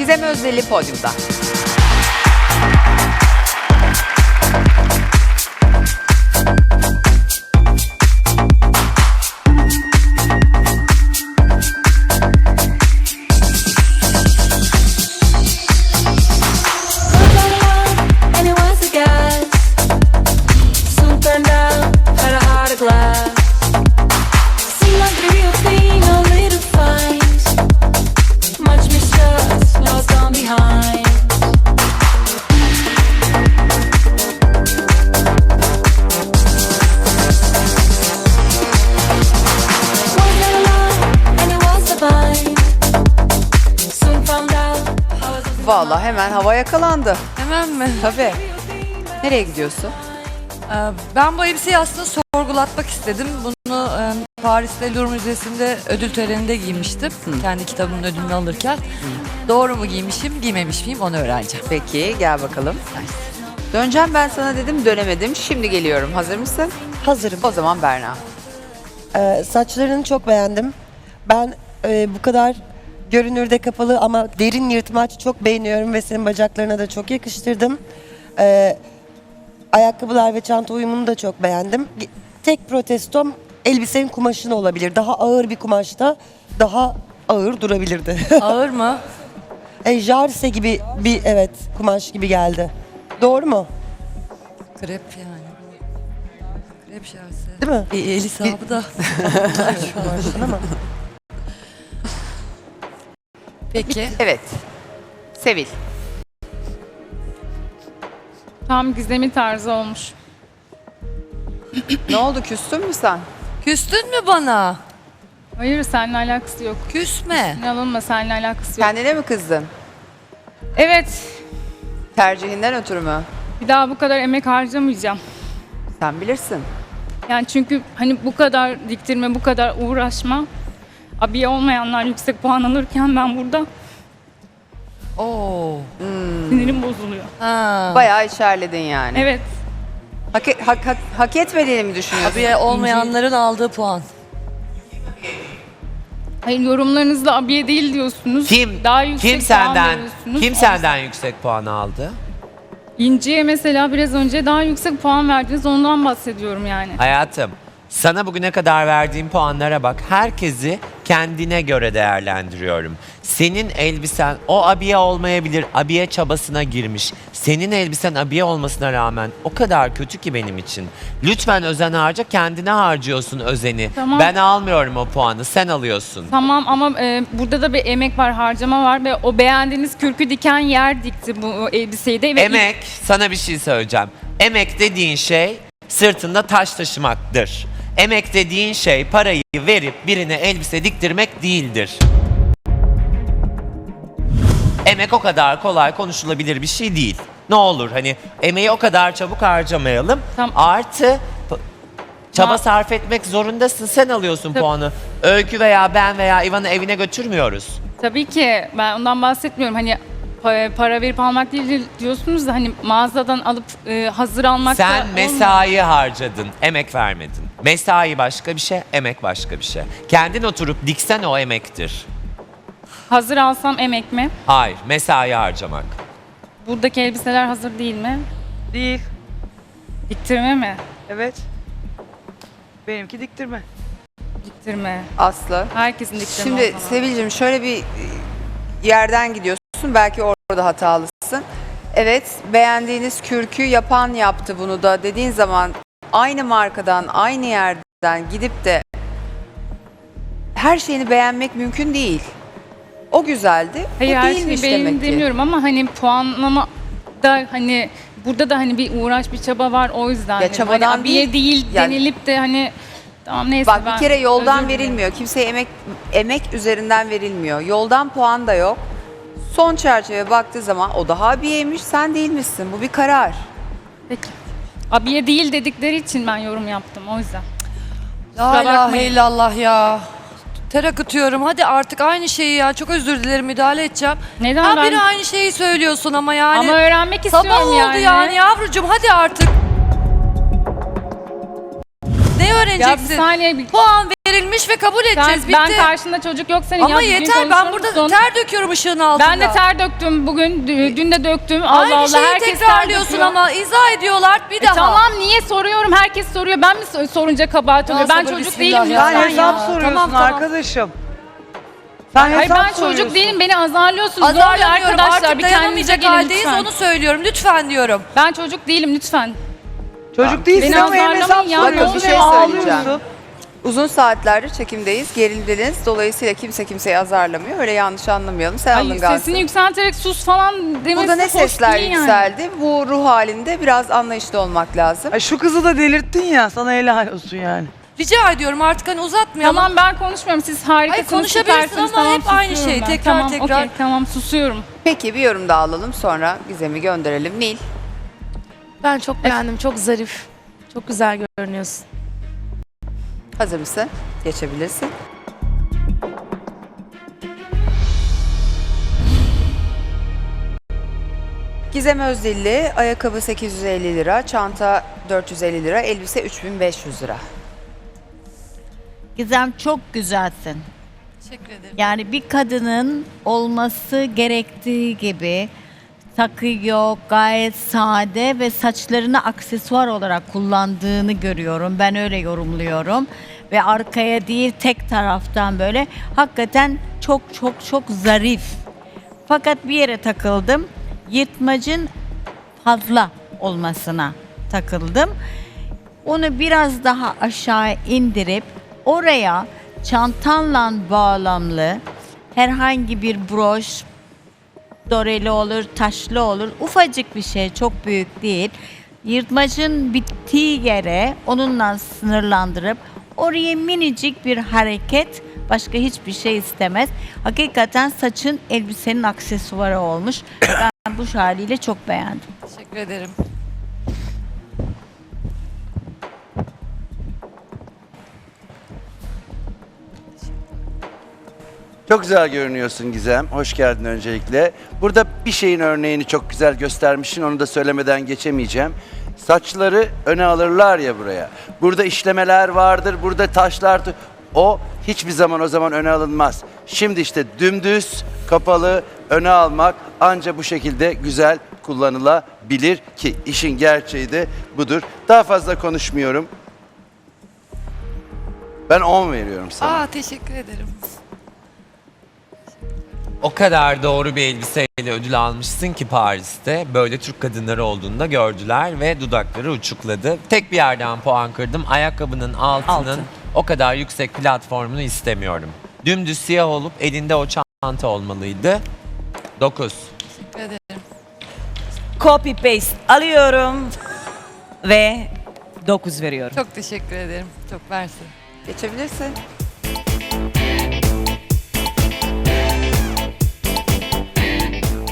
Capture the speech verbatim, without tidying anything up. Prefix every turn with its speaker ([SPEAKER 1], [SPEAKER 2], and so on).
[SPEAKER 1] Gizem Özdeli podyumda. Vallahi hemen hava yakalandı.
[SPEAKER 2] Hemen mi?
[SPEAKER 1] Tabii. Nereye gidiyorsun?
[SPEAKER 2] Ee, Ben bu elbiseyi aslında sorgulatmak istedim. Bunu e, Paris'te Louvre Müzesi'nde ödül töreninde giymiştim.
[SPEAKER 1] Hı.
[SPEAKER 2] Kendi kitabımın ödülünü alırken. Doğru mu giymişim, giymemiş miyim onu öğreneceğim.
[SPEAKER 1] Peki gel bakalım. Döneceğim ben sana dedim, dönemedim. Şimdi geliyorum. Hazır mısın?
[SPEAKER 3] Hazırım.
[SPEAKER 1] O zaman Berna.
[SPEAKER 3] Ee, saçlarını çok beğendim. Ben e, bu kadar görünürde kapalı ama derin yırtmaç çok beğeniyorum ve senin bacaklarına da çok yakıştırdım. Ee, ayakkabılar ve çanta uyumunu da çok beğendim. Tek protestom elbisenin kumaşını olabilir. Daha ağır bir kumaşta daha ağır durabilirdi.
[SPEAKER 2] Ağır mı?
[SPEAKER 3] e, jarse gibi bir evet kumaş gibi geldi. Doğru mu?
[SPEAKER 2] Krep yani. Krep şarjı.
[SPEAKER 3] Değil mi?
[SPEAKER 2] E, el hesabı da.
[SPEAKER 3] Kumaşın ama.
[SPEAKER 2] Peki.
[SPEAKER 1] Evet. Sevil.
[SPEAKER 4] Tam Gizem'in tarzı olmuş.
[SPEAKER 1] Ne oldu, küstün mü sen?
[SPEAKER 2] Küstün mü bana?
[SPEAKER 4] Hayır, seninle alakası yok.
[SPEAKER 2] Küsme.
[SPEAKER 4] Ne alınma, seninle alakası yok.
[SPEAKER 1] Kendine mi kızdın?
[SPEAKER 4] Evet,
[SPEAKER 1] Tercihinden ötürü mü?
[SPEAKER 4] bir daha bu kadar emek harcamayacağım.
[SPEAKER 1] Sen bilirsin.
[SPEAKER 4] Yani çünkü hani bu kadar diktirme, bu kadar uğraşma. Abiye olmayanlar yüksek puan alırken ben burada
[SPEAKER 2] Oo.
[SPEAKER 4] sinirim bozuluyor.
[SPEAKER 2] Ha.
[SPEAKER 1] Bayağı içerledin yani.
[SPEAKER 4] Evet,
[SPEAKER 1] Hak, e- hak, hak, hak etmediğini mi düşünüyorsun?
[SPEAKER 2] Abiye olmayanların aldığı puan.
[SPEAKER 4] hayır yorumlarınızda abiye değil diyorsunuz.
[SPEAKER 5] Kim
[SPEAKER 4] Daha yüksek
[SPEAKER 5] kim
[SPEAKER 4] puan
[SPEAKER 5] senden
[SPEAKER 4] veriyorsunuz.
[SPEAKER 5] kim senden yüksek puan aldı?
[SPEAKER 4] İnci'ye mesela biraz önce daha yüksek puan verdiniz, ondan bahsediyorum yani.
[SPEAKER 5] Hayatım, sana bugüne kadar verdiğim puanlara bak. Herkesi kendine göre değerlendiriyorum. Senin elbisen o abiye olmayabilir. Abiye çabasına girmiş. Senin elbisen abiye olmasına rağmen o kadar kötü ki benim için. Lütfen özen harca, kendine harcıyorsun özeni.
[SPEAKER 4] Tamam.
[SPEAKER 5] Ben almıyorum o puanı, sen alıyorsun.
[SPEAKER 4] Tamam ama e, burada da bir emek var, harcama var ve o beğendiğiniz kürkü diken yer dikti bu elbiseyi de. Ve
[SPEAKER 5] Emek, sana bir şey söyleyeceğim. Emek dediğin şey sırtında taş taşımaktır. Emek dediğin şey parayı verip birine elbise diktirmek değildir. Emek o kadar kolay konuşulabilir bir şey değil. Ne olur hani emeği o kadar çabuk harcamayalım.
[SPEAKER 4] Tamam.
[SPEAKER 5] Artı p- çaba
[SPEAKER 4] Ma-
[SPEAKER 5] sarf etmek zorundasın. Sen alıyorsun
[SPEAKER 4] Tabii.
[SPEAKER 5] puanı. Öykü veya ben veya İvan'ı evine götürmüyoruz.
[SPEAKER 4] Tabii ki ben ondan bahsetmiyorum. Hani pa- para verip almak değil diyorsunuz da hani mağazadan alıp e, hazır almak da
[SPEAKER 5] Sen
[SPEAKER 4] olmuyor.
[SPEAKER 5] mesai harcadın, emek vermedin. Mesai başka bir şey, emek başka bir şey. Kendin oturup diksen o emektir.
[SPEAKER 4] Hazır alsam emek mi?
[SPEAKER 5] Hayır, mesai harcamak.
[SPEAKER 4] Buradaki elbiseler hazır değil mi?
[SPEAKER 6] Değil.
[SPEAKER 4] Diktirme mi?
[SPEAKER 6] Evet. Benimki diktirme.
[SPEAKER 4] Diktirme.
[SPEAKER 1] Aslı.
[SPEAKER 4] Herkesin diktirme
[SPEAKER 1] Şimdi
[SPEAKER 4] o zaman.
[SPEAKER 1] Sevil'cim şöyle bir e, yerden gidiyorsun. Belki orada hatalısın. Evet, beğendiğiniz kürkü yapan yaptı bunu da dediğin zaman aynı markadan, aynı yerden gidip de her şeyini beğenmek mümkün değil. O güzeldi.
[SPEAKER 4] Hayır,
[SPEAKER 1] o
[SPEAKER 4] her
[SPEAKER 1] değilmiş
[SPEAKER 4] şeyi beğendim
[SPEAKER 1] demek ki.
[SPEAKER 4] demiyorum ama hani puanlama da hani burada da hani bir uğraş, bir çaba var o yüzden. dedim.
[SPEAKER 1] çabadan
[SPEAKER 4] hani abiye
[SPEAKER 1] değil,
[SPEAKER 4] değil
[SPEAKER 1] yani-
[SPEAKER 4] denilip de hani tamam neyse
[SPEAKER 1] Bak
[SPEAKER 4] ben
[SPEAKER 1] bir kere yoldan
[SPEAKER 4] özür dilerim.
[SPEAKER 1] verilmiyor. Kimseye emek emek üzerinden verilmiyor. Yoldan puan da yok. Son çerçeve baktığı zaman o daha abiyeymiş, sen değilmişsin. Bu bir karar.
[SPEAKER 4] Peki. Abiye değil dedikleri için ben yorum yaptım o yüzden.
[SPEAKER 2] La
[SPEAKER 4] Kusura
[SPEAKER 2] ilahe
[SPEAKER 4] bakmayın.
[SPEAKER 2] illallah ya. Ter akıtıyorum. Hadi artık aynı şeyi ya. Çok özür dilerim, müdahale edeceğim.
[SPEAKER 4] Neden
[SPEAKER 2] Ha
[SPEAKER 4] ben-
[SPEAKER 2] biri aynı şeyi söylüyorsun ama yani.
[SPEAKER 4] Ama öğrenmek istiyorum
[SPEAKER 2] Sabah oldu
[SPEAKER 4] yani.
[SPEAKER 2] yani. yavrucuğum hadi artık. Ne
[SPEAKER 4] Ya bir
[SPEAKER 2] öğreneceksin?
[SPEAKER 4] saniye bir
[SPEAKER 2] Puan verilmiş ve kabul
[SPEAKER 4] Sen,
[SPEAKER 2] edeceğiz. Bitti.
[SPEAKER 4] ben karşında çocuk yok senin.
[SPEAKER 2] Ama
[SPEAKER 4] ya, düzgün
[SPEAKER 2] yeter, ben
[SPEAKER 4] konuşur
[SPEAKER 2] burada
[SPEAKER 4] musun?
[SPEAKER 2] ter döküyorum ışığın altında.
[SPEAKER 4] Ben de ter döktüm bugün, dü- dün de döktüm. Allah
[SPEAKER 2] Aynı
[SPEAKER 4] Allah,
[SPEAKER 2] şeyi
[SPEAKER 4] herkes ter
[SPEAKER 2] tekrarlıyorsun
[SPEAKER 4] döküyor.
[SPEAKER 2] ama izah ediyorlar bir
[SPEAKER 4] E
[SPEAKER 2] daha.
[SPEAKER 4] tamam, niye soruyorum? Herkes soruyor. Ben mi so- sorunca kabahat oluyor? Ben
[SPEAKER 2] sabır,
[SPEAKER 4] çocuk
[SPEAKER 2] bismillah
[SPEAKER 4] değilim
[SPEAKER 2] ya.
[SPEAKER 6] Sen
[SPEAKER 4] lütfen
[SPEAKER 6] hesap
[SPEAKER 4] ya.
[SPEAKER 6] soruyorsun
[SPEAKER 2] Tamam, tamam.
[SPEAKER 6] arkadaşım. Sen
[SPEAKER 4] Hayır,
[SPEAKER 6] hesap
[SPEAKER 4] ben çocuk
[SPEAKER 6] soruyorsun.
[SPEAKER 4] değilim. Beni azarlıyorsunuz. Ne oluyor
[SPEAKER 2] Azarlamıyorum,
[SPEAKER 4] arkadaşlar?
[SPEAKER 2] artık
[SPEAKER 4] Bir kendinize
[SPEAKER 2] dayanamayacak
[SPEAKER 4] gelin
[SPEAKER 2] haldeyiz,
[SPEAKER 4] lütfen.
[SPEAKER 2] onu söylüyorum. Lütfen diyorum.
[SPEAKER 4] Ben çocuk değilim lütfen.
[SPEAKER 6] Çocuk değilsin
[SPEAKER 4] Beni
[SPEAKER 6] ama hem hesap
[SPEAKER 4] azarlamayın ya,
[SPEAKER 6] soruyorsun
[SPEAKER 1] ne bir şey
[SPEAKER 6] hem
[SPEAKER 1] söyleyeceğim.
[SPEAKER 6] ağlıyorsun.
[SPEAKER 1] Uzun saatlerdir çekimdeyiz, gerildiniz. Dolayısıyla kimse kimseyi azarlamıyor. Öyle yanlış anlamayalım. Sen
[SPEAKER 4] Ay,
[SPEAKER 1] alıngansın.
[SPEAKER 4] sesini yükselterek sus falan demesi
[SPEAKER 1] Burada ne
[SPEAKER 4] hoş
[SPEAKER 1] sesler
[SPEAKER 4] değil yani.
[SPEAKER 1] yükseldi? Bu ruh halinde biraz anlayışlı olmak lazım.
[SPEAKER 6] Ay şu kızı da delirttin ya, sana helal olsun yani.
[SPEAKER 2] Rica ediyorum artık hani uzatmayalım.
[SPEAKER 4] Tamam, ben konuşmuyorum. Siz harikasınız.
[SPEAKER 2] Hayır, konuşabilirsin
[SPEAKER 4] süpersiniz.
[SPEAKER 2] ama
[SPEAKER 4] Tamam,
[SPEAKER 2] hep aynı
[SPEAKER 4] susuyorum
[SPEAKER 2] şey,
[SPEAKER 4] ben.
[SPEAKER 2] tekrar
[SPEAKER 4] tamam,
[SPEAKER 2] tekrar.
[SPEAKER 4] okey, tamam, susuyorum.
[SPEAKER 1] Peki bir yorum daha alalım, sonra Gizem'i gönderelim. Nil,
[SPEAKER 7] Ben çok beğendim. Çok zarif. Çok güzel görünüyorsun.
[SPEAKER 1] hazır mısın? Geçebilirsin. Gizem Özdilli, ayakkabı sekiz yüz elli lira, çanta dört yüz elli lira, elbise üç bin beş yüz lira.
[SPEAKER 8] Gizem, çok güzelsin.
[SPEAKER 2] Teşekkür ederim.
[SPEAKER 8] Yani bir kadının olması gerektiği gibi takıyor, gayet sade ve saçlarını aksesuar olarak kullandığını görüyorum. Ben öyle yorumluyorum. Ve arkaya değil, tek taraftan böyle hakikaten çok çok çok zarif. Fakat bir yere takıldım. Yırtmacın fazla olmasına takıldım. Onu biraz daha aşağı indirip oraya çantanla bağlamlı herhangi bir broş, doreli olur, taşlı olur, ufacık bir şey, çok büyük değil. Yırtmacın bittiği yere onunla sınırlandırıp oraya minicik bir hareket, başka hiçbir şey istemez. Hakikaten saçın elbisenin aksesuarı olmuş. Ben bu haliyle çok beğendim.
[SPEAKER 2] Teşekkür ederim.
[SPEAKER 9] Çok güzel görünüyorsun Gizem. Hoş geldin öncelikle. Burada bir şeyin örneğini çok güzel göstermişsin. Onu da söylemeden geçemeyeceğim. Saçları öne alırlar ya buraya. Burada işlemeler vardır, burada taşlar. O hiçbir zaman o zaman öne alınmaz. Şimdi işte dümdüz, kapalı, öne almak anca bu şekilde güzel kullanılabilir ki işin gerçeği de budur. Daha fazla konuşmuyorum. Ben on veriyorum sana.
[SPEAKER 2] Aa, teşekkür ederim.
[SPEAKER 5] O kadar doğru bir elbiseyle ödül almışsın ki Paris'te. Böyle Türk kadınları olduğunu da gördüler ve dudakları uçukladı. Tek bir yerden puan kırdım. Ayakkabının altının
[SPEAKER 8] Altın.
[SPEAKER 5] o kadar yüksek platformunu istemiyorum. Dümdüz siyah olup elinde o çanta olmalıydı. dokuz.
[SPEAKER 2] Teşekkür ederim.
[SPEAKER 10] Copy paste alıyorum ve dokuz veriyorum.
[SPEAKER 2] Çok teşekkür ederim. Çok versin.
[SPEAKER 1] Geçebilirsin.